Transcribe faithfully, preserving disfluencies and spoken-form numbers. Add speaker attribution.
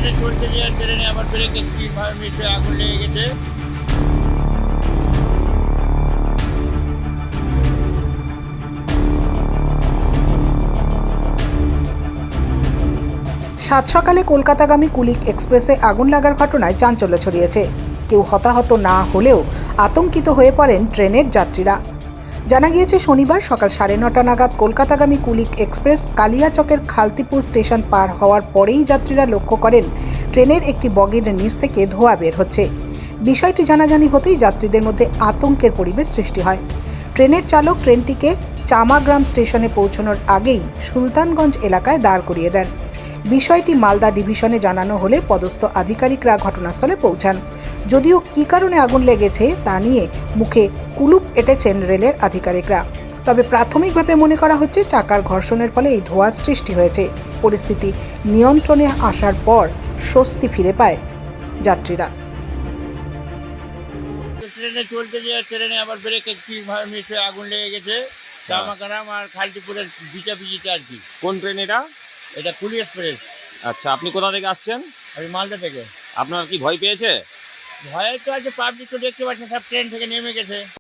Speaker 1: ট্রেনে চলতে গিয়ে ট্রেনে আবার ব্রেক একটি মিস হয়ে আগুন লেগে গেছে।
Speaker 2: সাত সকালে কলকাতাগামী কুলিক এক্সপ্রেসে আগুন লাগার ঘটনায় চাঞ্চল্য ছড়িয়েছে। কেউ হতাহত না হলেও আতঙ্কিত হয়ে পড়েন ট্রেনের যাত্রীরা। জানা গিয়েছে শনিবার সকাল সাড়ে নটা নাগাদ কলকাতাগামী কুলিক এক্সপ্রেস কালিয়াচকের খালতিপুর স্টেশন পার হওয়ার পরেই যাত্রীরা লক্ষ্য করেন ট্রেনের একটি বগির নিচ থেকে ধোঁয়া বের হচ্ছে। বিষয়টি জানাজানি হতেই যাত্রীদের মধ্যে আতঙ্কের পরিবেশ সৃষ্টি হয়। ট্রেনের চালক ট্রেনটিকে চামাগ্রাম স্টেশনে পৌঁছানোর আগেই সুলতানগঞ্জ এলাকায় দাঁড় করিয়ে দেন। বিষয়টি মালদা ডিভিশনে জানানো হলে পদস্থ আধিকারিকরা ঘটনাস্থলে পৌঁছান। যদিও কী কারণে আগুন লেগেছে তা নিয়ে মুখে কুলুপ এঁটেছেন রেলের আধিকারিকরা। তবে প্রাথমিকভাবে মনে করা হচ্ছে চাকার ঘর্ষণের ফলে এই ধোঁয়ার সৃষ্টি হয়েছে। পরিস্থিতি নিয়ন্ত্রণে আসার পর স্বস্তি ফিরে পায় যাত্রীরা।
Speaker 1: ট্রেনে চলতে গিয়ে ট্রেনে আবার ব্রেক একটি মিস হয়ে আগুন লেগে গেছে চামাগ্রাম আর খালটিপুরের বিচাপিজিতে আর কি।
Speaker 3: কোন ট্রেন এটা?
Speaker 1: এটা কুলি এক্সপ্রেস।
Speaker 3: আচ্ছা, আপনি কোথা থেকে আসছেন?
Speaker 1: আমি মালদা থেকে।
Speaker 3: আপনার কি ভয় পেয়েছে?
Speaker 1: ভয়ে তো আছে, পাবলিক তো দেখতে পাচ্ছে সব ট্রেন থেকে নেমে গেছে।